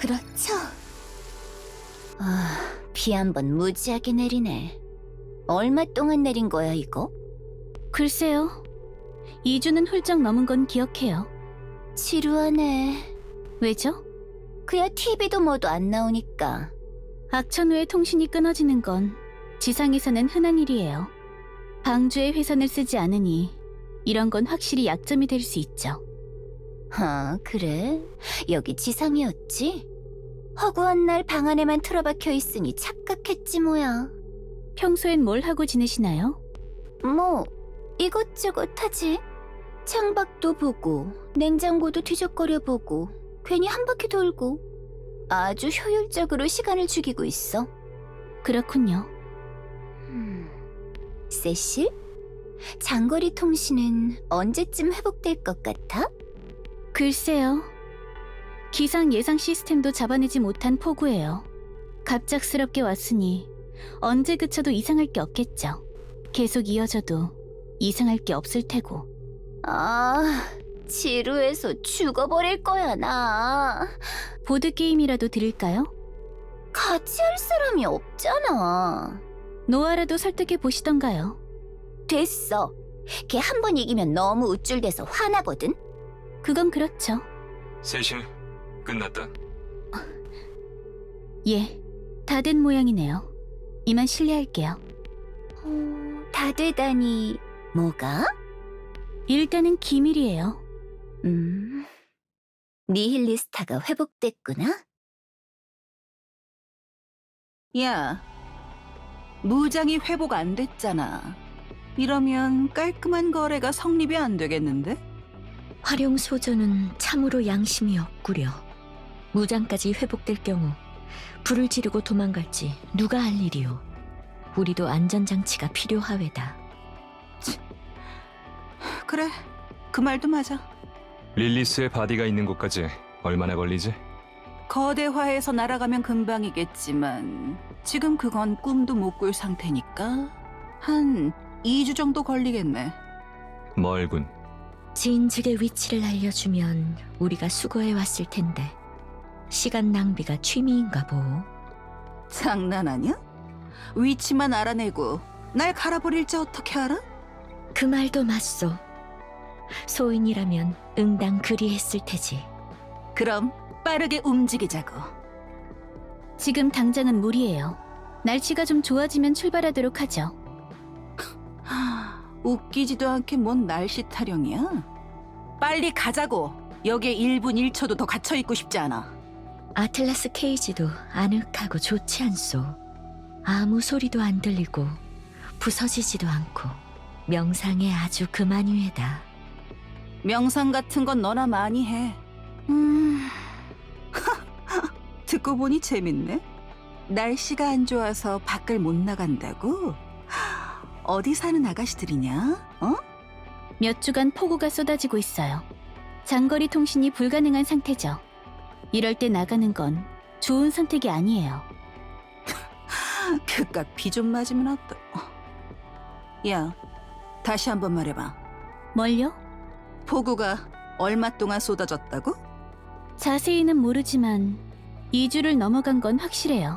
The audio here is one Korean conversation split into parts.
그렇죠? 비 한 번 무지하게 내리네. 얼마 동안 내린 거야, 이거? 글쎄요. 2주는 훌쩍 넘은 건 기억해요. 지루하네. 왜죠? 그야 TV도 뭐도 안 나오니까. 악천 후에 통신이 끊어지는 건 지상에서는 흔한 일이에요. 방주에 회선을 쓰지 않으니 이런 건 확실히 약점이 될 수 있죠. 그래? 여기 지상이었지? 허구한 날 방 안에만 틀어박혀 있으니 착각했지 뭐야. 평소엔 뭘 하고 지내시나요? 뭐 이것저것 하지. 창밖도 보고 냉장고도 뒤적거려 보고 괜히 한 바퀴 돌고 아주 효율적으로 시간을 죽이고 있어. 그렇군요. 세실? 장거리 통신은 언제쯤 회복될 것 같아? 글쎄요. 기상 예상 시스템도 잡아내지 못한 폭우예요. 갑작스럽게 왔으니 언제 그쳐도 이상할 게 없겠죠. 계속 이어져도 이상할 게 없을 테고. 지루해서 죽어버릴 거야 나. 보드게임이라도 드릴까요? 같이 할 사람이 없잖아. 노아라도 설득해 보시던가요. 됐어. 걔 한 번 이기면 너무 우쭐대서 화나거든. 그건 그렇죠. 세실 끝났다. 예, 다 된 모양이네요. 이만 실례할게요. 다 되다니 뭐가? 일단은 기밀이에요. 니힐리스타가 회복됐구나? 야, 무장이 회복 안 됐잖아. 이러면 깔끔한 거래가 성립이 안 되겠는데? 활용 소전은 참으로 양심이 없구려. 무장까지 회복될 경우 불을 지르고 도망갈지 누가 할 일이오. 우리도 안전장치가 필요하외다. 그래, 그 말도 맞아. 릴리스의 바디가 있는 곳까지 얼마나 걸리지? 거대화해서 날아가면 금방이겠지만 지금 그건 꿈도 못 꿀 상태니까 한 2주 정도 걸리겠네. 멀군. 지인 측의 위치를 알려주면 우리가 수거해 왔을 텐데 시간 낭비가 취미인가 보. 장난하냐? 위치만 알아내고 날 갈아버릴지 어떻게 알아? 그 말도 맞소. 소인이라면 응당 그리했을 테지. 그럼 빠르게 움직이자고. 지금 당장은 무리예요. 날씨가 좀 좋아지면 출발하도록 하죠. 웃기지도 않게 뭔 날씨 타령이야? 빨리 가자고. 여기에 1분 1초도 더 갇혀있고 싶지 않아. 아틀라스 케이지도 아늑하고 좋지 않소. 아무 소리도 안 들리고 부서지지도 않고 명상에 아주 그만유에다. 명상 같은 건 너나 많이 해. 듣고 보니 재밌네. 날씨가 안 좋아서 밖을 못 나간다고? 어디 사는 아가씨들이냐? 어? 몇 주간 폭우가 쏟아지고 있어요. 장거리 통신이 불가능한 상태죠. 이럴 때 나가는 건 좋은 선택이 아니에요. 그깟 비 좀 맞으면 어떠? 야, 다시 한번 말해봐. 뭘요? 폭우가 얼마 동안 쏟아졌다고? 자세히는 모르지만 2주를 넘어간 건 확실해요.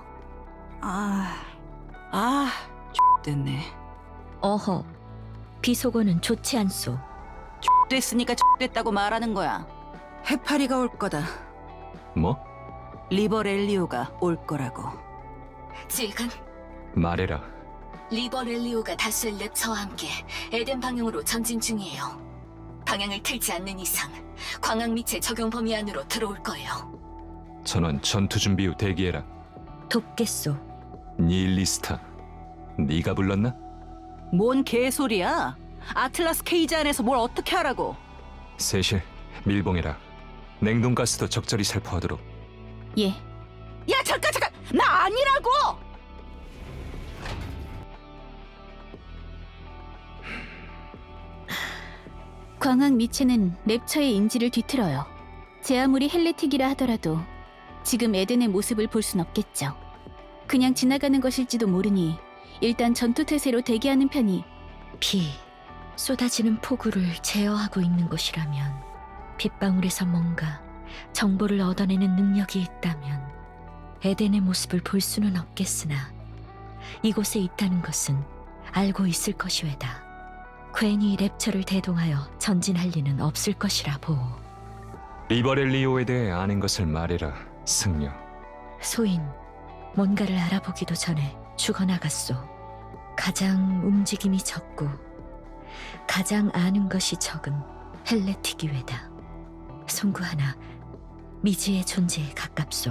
됐네. 어허, 비속어는 좋지 않소. 됐으니까 됐다고 말하는 거야. 해파리가 올 거다. 뭐? 리버렐리오가 올 거라고. 지금 말해라. 리버렐리오가 다수의 랩처와 함께 에덴 방향으로 전진 중이에요. 방향을 틀지 않는 이상 광학 미체 적용 범위 안으로 들어올 거예요. 전원 전투 준비 후 대기해라. 돕겠소. 닐리스타. 네가 불렀나? 뭔 개소리야? 아틀라스 케이지 안에서 뭘 어떻게 하라고? 세실 밀봉해라. 냉동가스도 적절히 살포하도록. 예, 야 잠깐! 나 아니라고! 광학 미체는 랩처의 인지를 뒤틀어요. 제 아무리 헬레틱이라 하더라도 지금 에덴의 모습을 볼 순 없겠죠. 그냥 지나가는 것일지도 모르니 일단 전투태세로 대기하는 편이. 비, 쏟아지는 폭우를 제어하고 있는 곳이라면 빗방울에서 뭔가 정보를 얻어내는 능력이 있다면 에덴의 모습을 볼 수는 없겠으나 이곳에 있다는 것은 알고 있을 것이외다. 괜히 랩처를 대동하여 전진할 리는 없을 것이라 보오. 리버렐리오에 대해 아는 것을 말해라, 승려. 소인, 뭔가를 알아보기도 전에 죽어나갔소. 가장 움직임이 적고 가장 아는 것이 적은 헬레티기회다. 송구 하나 미지의 존재에 가깝소.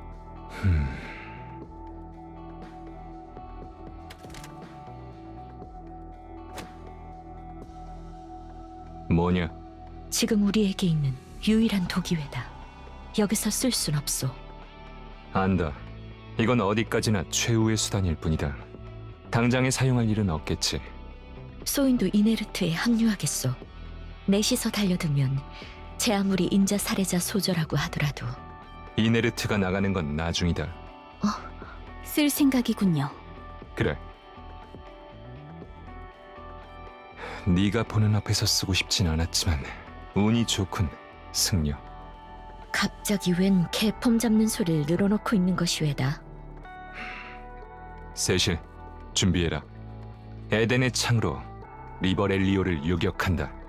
뭐냐? 지금 우리에게 있는 유일한 도기회다. 여기서 쓸 순 없소. 안다. 이건 어디까지나 최후의 수단일 뿐이다. 당장에 사용할 일은 없겠지. 소인도 이네르트에 합류하겠소. 넷이서 달려들면 제 아무리 인자 살해자 소저라고 하더라도 이네르트가 나가는 건 나중이다. 쓸 생각이군요. 그래. 네가 보는 앞에서 쓰고 싶진 않았지만 운이 좋군, 승려. 갑자기 웬 개폼 잡는 소리를 늘어놓고 있는 것이 왜다. 세실, 준비해라. 에덴의 창으로 리버렐리오를 요격한다.